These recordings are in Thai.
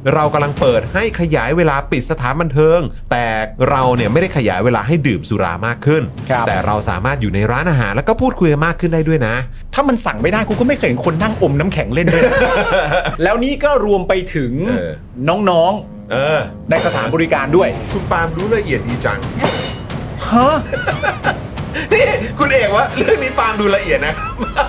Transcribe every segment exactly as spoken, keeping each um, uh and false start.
เรากำลังเปิดให้ขยายเวลาปิดสถานบันเทิงแต่เราเนี่ยไม่ได้ขยายเวลาให้ดื่มสุรามากขึ้นแต่เราสามารถอยู่ในร้านอาหารแล้วก็พูดคุยกันมากขึ้นได้ด้วยนะถ้ามันสั่งไม่ได้กูก็ไม่เคยเห็นคนนั่งอมน้ำแข็งเล่นด้วย แล้วนี่ก็รวมไปถึงน้องๆเออในสถานบริการด้วยคุณปาล์มรู้ละเอียดดีจังฮะนี่คุณเอกว่าเรื่องนี้ปาล์มดูละเอียดนะ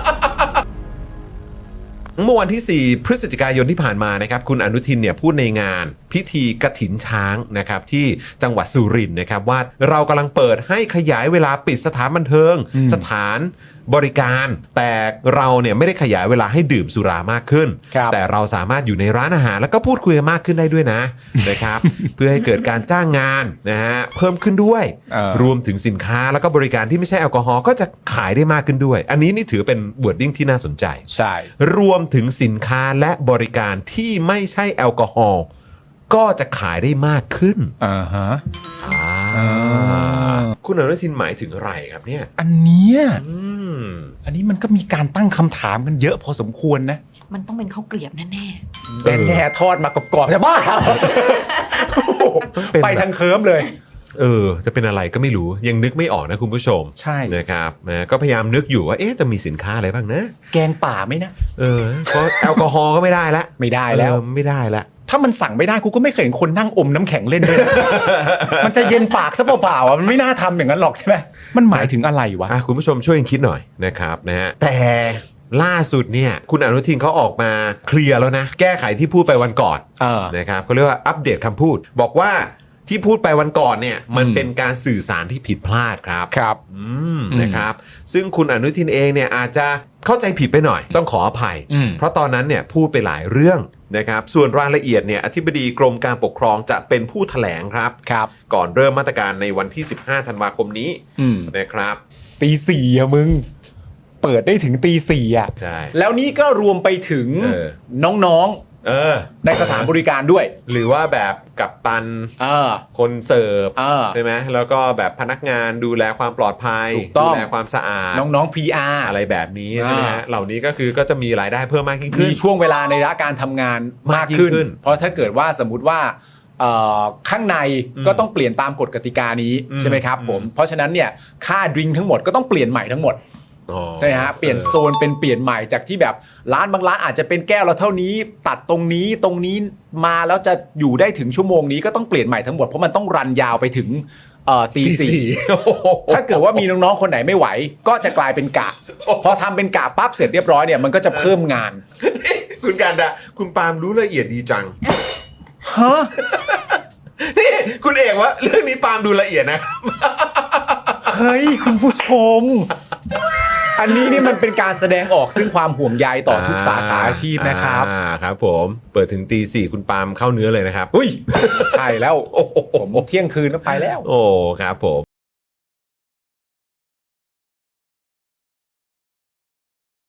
เมื่อวันที่สี่พฤศจิกายนที่ผ่านมานะครับคุณอนุทินเนี่ยพูดในงานพิธีกฐินช้างนะครับที่จังหวัดสุรินทร์นะครับว่าเรากำลังเปิดให้ขยายเวลาปิดสถานบันเทิงสถานบริการแต่เราเนี่ยไม่ได้ขยายเวลาให้ดื่มสุรามากขึ้นแต่เราสามารถอยู่ในร้านอาหารแล้วก็พูดคุยกันมากขึ้นได้ด้วยนะ นะครับ เพื่อให้เกิดการจ้างงานนะฮะเพิ่มขึ้นด้วยรวมถึงสินค้าแล้วก็บริการที่ไม่ใช่แอลกอฮอล์ก็จะขายได้มากขึ้นด้วยอันนี้นี่ถือเป็นวอร์ดดิ้งที่น่าสนใจใช่รวมถึงสินค้าและบริการที่ไม่ใช่แอลกอฮอล์ก็จะขายได้มากขึ้นอ่าฮะคุณอนุทินหมายถึงอะไรครับเนี่ยอันเนี้ยอันนี้มันก็มีการตั้งคำถามกันเยอะพอสมควรนะมันต้องเป็นข้าวเกลียบแน่แน่แน่ๆทอดมากรอบๆจะบ้าไปทางเคิร์มเลยเออจะเป็นอะไรก็ไม่รู้ยังนึกไม่ออกนะคุณผู้ชมใช่นะครับนะก็พยายามนึกอยู่ว่าเอ๊ะจะมีสินค้าอะไรบ้างนะแกงป่าไหมนะเออเพราะแอลกอฮอล์ก็ไม่ได้ละไม่ได้แล้วไม่ได้ละถ้ามันสั่งไม่ได้กูก็ไม่เคยเห็นคนนั่งอมน้ำแข็งเล่นด้วย มันจะเย็นปากซะเปล่าๆอ่ะมันไม่น่าทำอย่างนั้นหรอกใช่ไหมมันหมายถึงอะไรวะคุณผู้ชมช่วยกันคิดหน่อยนะครับนะฮะแต่ล่าสุดเนี่ยคุณอนุทินเขาออกมาเคลียร์แล้วนะแก้ไขที่พูดไปวันก่อนนะครับเขาเรียกว่าอัปเดตคำพูดบอกว่าที่พูดไปวันก่อนเนี่ยมันเป็นการสื่อสารที่ผิดพลาดครับครับอืมนะครับซึ่งคุณอนุทินเองเนี่ยอาจจะเข้าใจผิดไปหน่อยต้องขออภัยเพราะตอนนั้นเนี่ยพูดไปหลายเรื่องนะครับส่วนรายละเอียดเนี่ยอธิบดีกรมการปกครองจะเป็นผู้แถลงครับครับก่อนเริ่มมาตรการในวันที่สิบห้าธันวาคมนี้นะครับตีสี่อะมึงเปิดได้ถึงตีสี่อะใช่แล้วนี่ก็รวมไปถึงน้องเออในสถานบริการด้วยหรือว่าแบบกัปตันเออคนเสิร์ฟใช่ไหมแล้วก็แบบพนักงานดูแลความปลอดภัยดูแลความสะอาดน้องๆ พี อาร์อะไรแบบนี้ใช่ไหมฮะเหล่านี้ก็คือก็จะมีรายได้เพิ่มมากขึ้นมีช่วงเวลาในระยะการทำงานมากขึ้นเพราะถ้าเกิดว่าสมมุติว่าข้างในก็ต้องเปลี่ยนตามกฎกติกานี้ใช่ไหมครับผมเพราะฉะนั้นเนี่ยค่าดริงก์ทั้งหมดก็ต้องเปลี่ยนใหม่ทั้งหมดใช่ฮะเปลี่ยนโซนเป็นเปลี่ยนใหม่จากที่แบบร้านบางร้านอาจจะเป็นแก้วเราเท่านี้ตัดตรงนี้ตรงนี้มาแล้วจะอยู่ได้ถึงชั่วโมงนี้ก็ต้องเปลี่ยนใหม่ทั้งหมดเพราะมันต้องรันยาวไปถึงตีสี่ถ้าเกิดว่ามีน้องๆคนไหนไม่ไหวก็จะกลายเป็นกะพอทำเป็นกะปั๊บเสร็จเรียบร้อยเนี่ยมันก็จะเพิ่มงานคุณการดาคุณปาล์มรู้ละเอียดดีจังฮะนี่คุณเอกว่าเรื่องนี้ปาล์มดูละเอียดนะเฮ้ยคุณผู้ชมอันนี้นี่มันเป็นการแสดงออกซึ่งความห่วงใยต่อทุกสาขาอาชีพนะครับอ่าครับผมเปิดถึงตีสี่คุณปาล์มเข้าเนื้อเลยนะครับอุ้ยใช่แล้วผมเที่ยงคืนก็ไปแล้วโอ้ครับผม